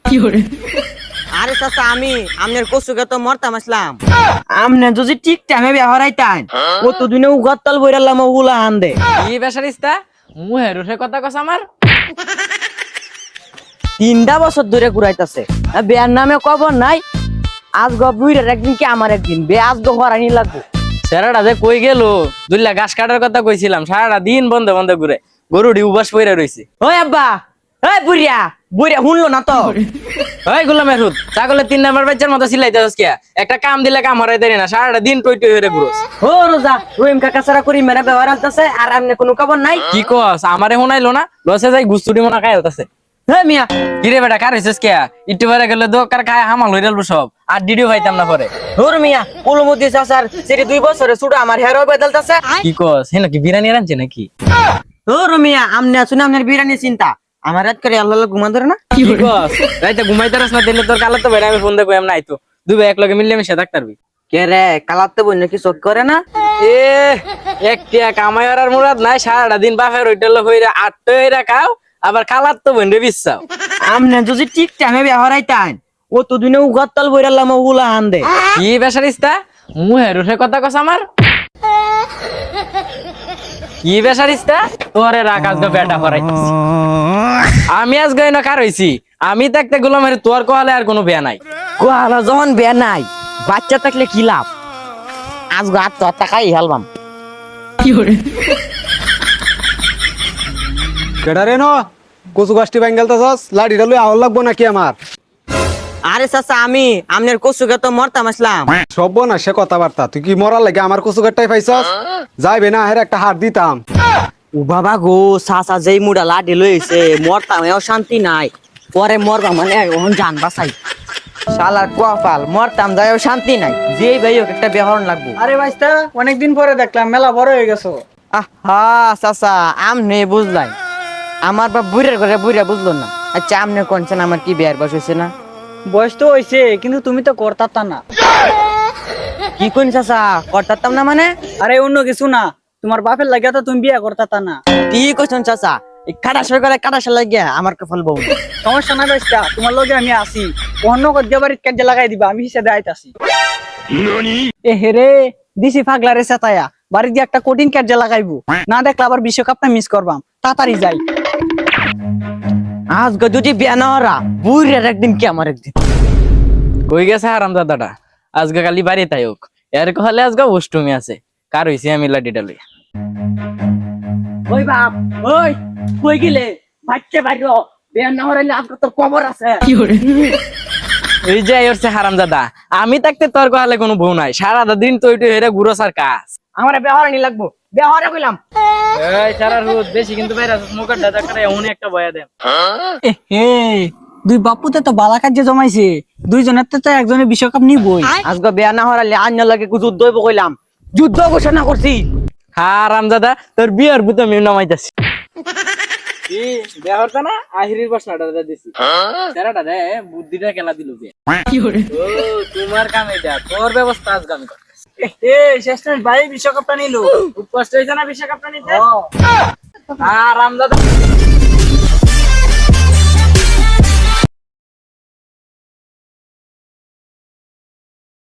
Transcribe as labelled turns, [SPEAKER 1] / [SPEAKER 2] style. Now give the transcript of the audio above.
[SPEAKER 1] আরে চাচা আমি আমনের কচুকে তো মরতাম আসলাম আমনে যদি ঠিক টাইমে ব্যবহার আইতান কত দিনে উগাতল বইরালাম ওগুলা আন্দে
[SPEAKER 2] কি বেসারিস্তা মুহের উঠে কথা কস আমার
[SPEAKER 1] 3টা বছর ধরে ঘুরাইতাছে বিয়ার নামে খবর নাই আজ গবুইরের একদিন কি আমার একদিন বে আজ গো হরানি লাগবো
[SPEAKER 2] সেরাটা যে কই গেল দুইলা ঘাস কাটার কথা কইছিলাম সারাটা দিন বন্ধ বন্ধ ঘুরে গরুটি উবাস পইরা রইছে
[SPEAKER 1] ওই আব্বা এই বুড়িয়া বুড়িয়া শুনলো না তো
[SPEAKER 2] ওই গোলামের হুত ছাগলের 3 নাম্বার বাচ্চার মতো সিলাইতেছস কিয়া একটা কাম দিলে কাম হরাই দেরি না সারাটা দিন টই টই হয়ে ঘুরোস
[SPEAKER 1] ও রোজা রহিম কাকা সারা করি মেরা ব্যবহার আলতাছে আর আমনে কোনো খবর নাই
[SPEAKER 2] কি কস আমারে শোনাইলো না লসে যাই গুস্তুটি মনে খাই হতাছে
[SPEAKER 1] হে মিয়া
[SPEAKER 2] কিরে বেটা কার হইছিস কিয়া একটু পরে গেলে দোকার খায় হামাল হই গেল সব আর ডিডিও পাইতাম না পরে
[SPEAKER 1] ধর মিয়া কুলমতি চাচার সেটি 2 বছরে ছুটা আমার হেরো বদলতাছে
[SPEAKER 2] কি কস হে নাকি বিরিয়ানি রাঁধছে নাকি
[SPEAKER 1] ধর মিয়া আমনে শুনে আপনার বিরানি চিন্তা আমার রাত করে আল্লাহ ঘুমা ধরে না
[SPEAKER 2] কি কস রাইতে ঘুমাইতারস না দিলে তোর কালা তো বেড়া আমি ফোন দেখো এমন নাই তো দুই ভাই এক লগে মিললে মিশে থাকতারবি
[SPEAKER 1] কে রে কালাতে বই নাকি চোখ করে না
[SPEAKER 2] এ একটা কামাই আর মুরাদ নাই সারাটা দিন বাপের ওইটাল হইরা আটটা হইরা খাও আবার খালার তো বন্ধে বিশ্বাও
[SPEAKER 1] আমনে যদি ঠিক টাইমে ব্যবহার আইতান কত দিনে উগাতল বইরালাম ওগুলা আন্দে
[SPEAKER 2] কি বেসারিস্তা মুহের উঠে কথা কস আমার কি বেসারিস্তা তোরে রাখ আজকে বেটা হরাইতেছি আমি আজকে এনে কার হইছি আমি থাকতে গোলামের তোর কোহালে আর কোনো বেয়া নাই
[SPEAKER 1] কোয়ালা যখন বে নাই বাচ্চা থাকলে কি লাভ আজ গো আত্মহত্যা খাই হেলবাম
[SPEAKER 3] কেডারে ন কচু গাছটি ব্যাঙ্গেলতাছস লাঠিটা লই আহল লাগবো নাকি আমার
[SPEAKER 1] আরে চাচা আমি আমনের কচুকে তো মরতাম আসলাম
[SPEAKER 3] সব না সে কথাবার্তা তুই কি মরার লাগে আমার কচু গাছটাই পাইছস যাইবে না হের একটা হাত দিতাম
[SPEAKER 1] ও বাবা গো চাচা যেই মুডা লাডি লইছে মরতাম এও শান্তি নাই পরে মরবা মানে ওহন জান বাঁচাই শালার কোয়াফাল মরতাম যাইও শান্তি নাই যেই ভাই হোক একটা ব্যবহার লাগবো
[SPEAKER 4] আরে ভাইস্তা অনেকদিন পরে দেখলাম মেলা বড় হয়ে গেছো।
[SPEAKER 1] আহা চাচা আমনে বুঝলাই আমার বাপ বুড়ের ঘরে বুড়া বুঝলো না আচ্ছা আমনে কোনছেন আমার কি বিয়ার বয়স হয়েছে না
[SPEAKER 4] বয়স তো হয়েছে কিন্তু তুমি তো করতাতা না।
[SPEAKER 1] কি কোন চাচা করতাম না মানে
[SPEAKER 4] আরে অন্য কিছু না, তোমার বাপের লাগিয়া তো তুমি বিয়া করতাতা না।
[SPEAKER 1] কি কইছেন চাচা এই কাটাসের করে কাটাসে লাগিয়া আমার কপাল বউ
[SPEAKER 4] সমস্যা নাই ভাইস্তা, তোমার লগে আমি আছি। অন্য গদ্যা বাড়ির কাজে লাগাই দিবা, আমি হিসেবে আইতাছি। এ হেরে দিছি ফাগলারে সেতায়া বাড়ি দিয়ে একটা কঠিন কাজে লাগাইবো, না দেখলে আবার বিশ্বকাপটা মিস করবাম। তাড়াতাড়ি যাই।
[SPEAKER 1] আজ গো যদি বিয়া না হরা বুড়ের একদিন কি আমার একদিন
[SPEAKER 2] কই গেছে হারামজাদাটা আজকে কালি বাড়ি তাই হোক এর কহলে আজকে অষ্টমী আছে কার হইছে আমি লাডিটা লই
[SPEAKER 1] ওই বাপ ওই কই গেলে বাচ্চা বাইরো বিয়া না হরাইলে আজকে তোর কবর আছে
[SPEAKER 2] এই যে হচ্ছে হারামজাদা আমি থাকতে তোর কহলে কোনো বউ নাই সারাটা দিন তো ওইটা হেরে ঘুরো সার কাজ
[SPEAKER 1] আমারে ব্যবহার নি লাগবো ব্যবহারে কইলাম
[SPEAKER 2] এই সারা রোদ বেশি কিন্তু বাইরে মুখের দাদা করে এমন একটা বয়া দেন
[SPEAKER 4] হে দুই বাপুতে তো বালা কাজে জমাইছে, দুইজনের তো একজনের বিশ্বকাপ নিবই।
[SPEAKER 1] আজকে বিয়া না হরাইলে আন্য লাগে যুদ্ধ হইব কইলাম যুদ্ধ ঘোষণা করছি
[SPEAKER 2] হারামজাদা তোর বিয়ার বুতে আমি নামাইতাছি কি বিয়া হরতা না আহিরির বাসনাটা দিছি সারাটা দে বুদ্ধিটা খেলা দিল বে ও তোমার কাম এটা তোর ব্যবস্থা আজকে আমি করতেছি
[SPEAKER 4] এ শেষমেশ ভাই বিশ্বকাপটা নিল,
[SPEAKER 2] খুব কষ্ট হইছে না বিশ্বকাপটা নিতে হারামজাদা